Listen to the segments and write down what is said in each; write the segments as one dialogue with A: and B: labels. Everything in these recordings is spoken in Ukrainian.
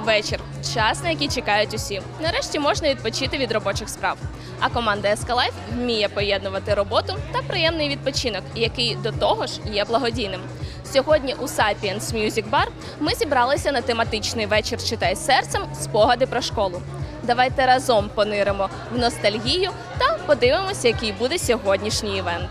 A: вечір – час, на який чекають усі. Нарешті можна відпочити від робочих справ. А команда SK Life вміє поєднувати роботу та приємний відпочинок, який до того ж є благодійним. Сьогодні у Sapiens Music Bar ми зібралися на тематичний вечір «Читай серцем. Спогади про школу». Давайте разом пониримо в ностальгію та подивимося, який буде сьогоднішній івент.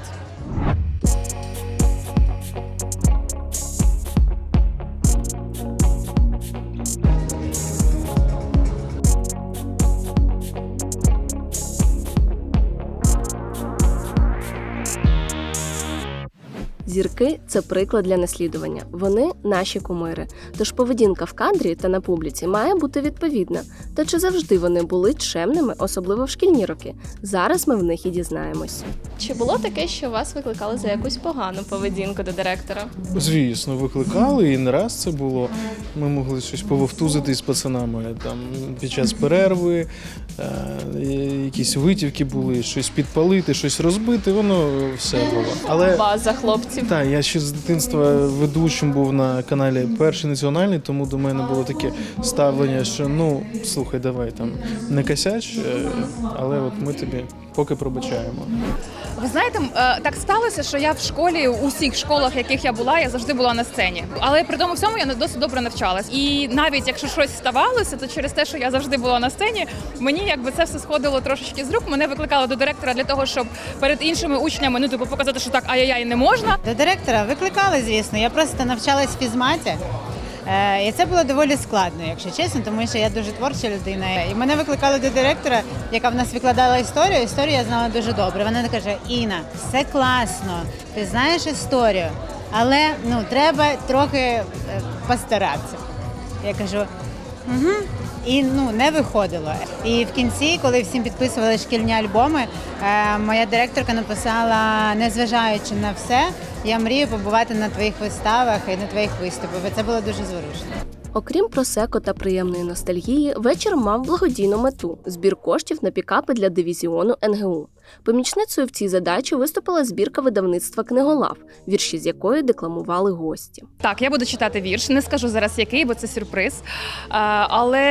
A: Зірки – це приклад для наслідування. Вони – наші кумири. Тож поведінка в кадрі та на публіці має бути відповідна. Та чи завжди вони були чемними, особливо в шкільні роки? Зараз ми в них і дізнаємось. Чи було таке, що вас викликали за якусь погану поведінку до директора?
B: Звісно, викликали, і не раз це було. Ми могли щось пововтузити з пацанами там, під час перерви, якісь витівки були, щось підпалити, щось розбити, воно все було. Але
A: База хлопців.
B: так, я ще з дитинства ведучим був на каналі Перший національний, тому до мене було таке ставлення, що ну, слухай, давай там не косяч, але от ми тобі поки пробачаємо.
C: Ви знаєте, так сталося, що я в школі, у всіх школах, в яких я була, я завжди була на сцені. Але при тому всьому я досить добре навчалась. І навіть якщо щось ставалося, то через те, що я завжди була на сцені, мені якби це все сходило трошечки з рук. Мене викликали до директора для того, щоб перед іншими учнями, показати, що так ай-яй-яй не можна.
D: До директора викликали, звісно. Я просто навчалась в фізматі. І це було доволі складно, якщо чесно, тому що я дуже творча людина. І мене викликали до директора, яка в нас викладала історію. Історію я знала дуже добре. Вона каже: Інна, все класно, ти знаєш історію, але треба трохи постаратися. Я кажу, угу. І не виходило. І в кінці, коли всім підписували шкільні альбоми, моя директорка написала: незважаючи на все, я мрію побувати на твоїх виставах і на твоїх виступах. І це було дуже зворушно.
A: Окрім просеко та приємної ностальгії, вечір мав благодійну мету – збір коштів на пікапи для дивізіону НГУ. Помічницею в цій задачі виступила збірка видавництва «Книголав», вірші з якої декламували гості.
C: Так, я буду читати вірш, не скажу зараз який, бо це сюрприз. Але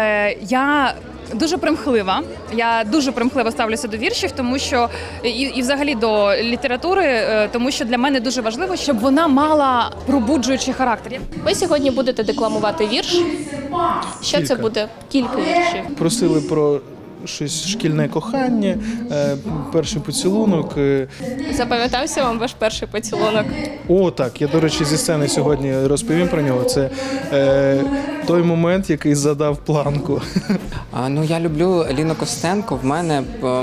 C: я дуже примхлива. Я дуже примхливо ставлюся до віршів, тому що і взагалі до літератури, тому що для мене дуже важливо, щоб вона мала пробуджуючий характер.
A: Ви сьогодні будете декламувати вірш. Що це буде? Кілька віршів.
B: Просили про щось шкільне кохання, перший поцілунок.
A: Запам'ятався вам ваш перший поцілунок?
B: О, так, я, до речі, зі сцени сьогодні розповім про нього. Це той момент, який задав планку.
E: Я люблю Ліну Костенко. В мене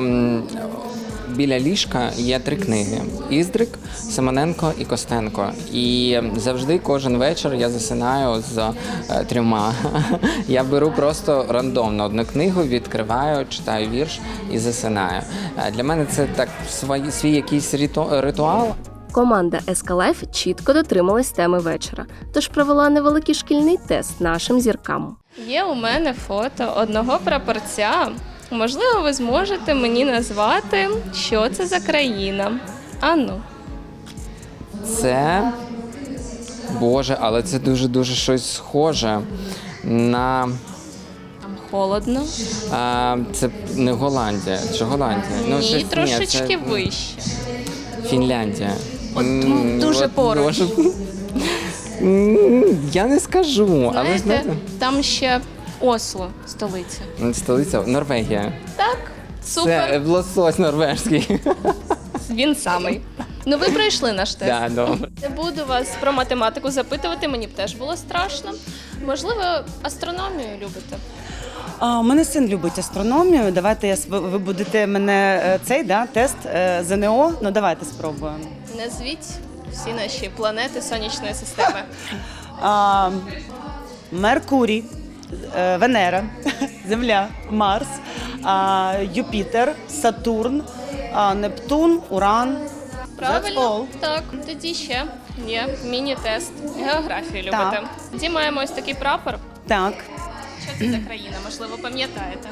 E: біля ліжка є 3 книги: Іздрик, Симоненко і Костенко. І завжди кожен вечір я засинаю з 3. Я беру просто рандомно одну книгу, відкриваю, читаю вірш і засинаю. Для мене це так свій якийсь ритуал.
A: Команда SK Life чітко дотрималась теми вечора, тож провела невеликий шкільний тест нашим зіркам. Є у мене фото одного прапорця. Можливо, ви зможете мені назвати, що це за країна. Ану.
E: Це, Боже, але це дуже-дуже щось схоже на...
A: Холодно.
E: Це не Голландія. Чи Голландія?
A: Ні, трошечки вище.
E: Фінляндія.
A: Дуже поруч.
E: Я не скажу.
A: Знаєте, там ще Осло, столиця.
E: Столиця Норвегія.
A: Так, супер.
E: Це лосось норвежський.
A: Він самий. Ви пройшли наш тест.
E: Да, добре.
A: Не буду вас про математику запитувати, мені б теж було страшно. Можливо, астрономію любите?
F: У мене син любить астрономію. Давайте ви будете мене тест ЗНО. Давайте спробуємо.
A: Назвіть всі наші планети Сонячної системи.
F: Меркурій, Венера, Земля, Марс, Юпітер, Сатурн, Нептун, Уран.
A: Правильно? Так. Тоді ще є міні-тест. Географію любите.
F: Так.
A: Тоді маємо ось такий прапор.
F: Так.
A: Що це за країна? Можливо, пам'ятаєте?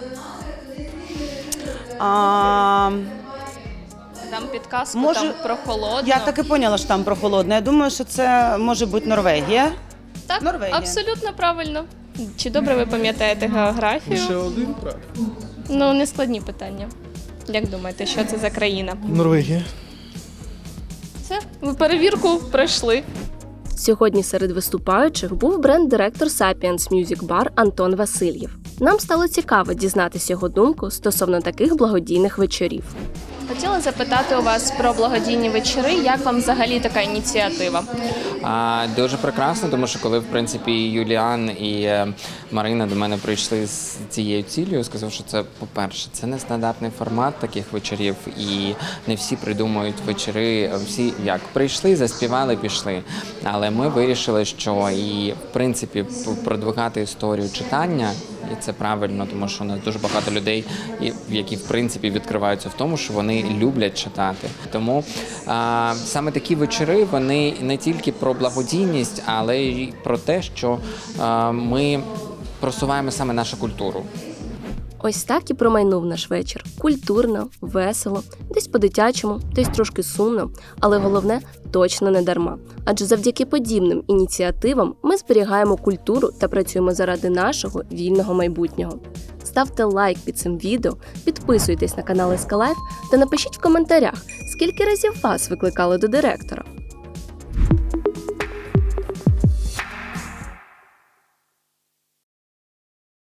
A: Там підказку, там прохолодно.
F: Я так і поняла, що там прохолодно. Я думаю, що це може бути Норвегія.
A: Так,
F: Норвегія.
A: абсолютно правильно. Чи добре ви пам'ятаєте географію?
B: Лише один прав.
A: Ну, не складні питання. Як думаєте, що це за країна?
B: Норвегія.
A: Все, ви перевірку пройшли. Сьогодні серед виступаючих був бренд-директор Sapiens Music Bar Антон Васильєв. Нам стало цікаво дізнатися його думку стосовно таких благодійних вечорів. Хотіла запитати у вас про благодійні вечори. Як вам взагалі така ініціатива?
E: Дуже прекрасно, тому що коли в принципі Юліан і Марина до мене прийшли з цією цілею, сказав, що це, по-перше, це не стандартний формат таких вечорів, і не всі придумують вечори. Всі як прийшли, заспівали, пішли. Але ми вирішили, що і в принципі продвигати історію читання. І це правильно, тому що у нас дуже багато людей, які в принципі відкриваються в тому, що вони люблять читати. Тому саме такі вечори, вони не тільки про благодійність, але й про те, що ми просуваємо саме нашу культуру.
A: Ось так і промайнув наш вечір. Культурно, весело, десь по-дитячому, десь трошки сумно, але головне – точно не дарма. Адже завдяки подібним ініціативам ми зберігаємо культуру та працюємо заради нашого вільного майбутнього. Ставте лайк під цим відео, підписуйтесь на канал SK Life та напишіть в коментарях, скільки разів вас викликали до директора.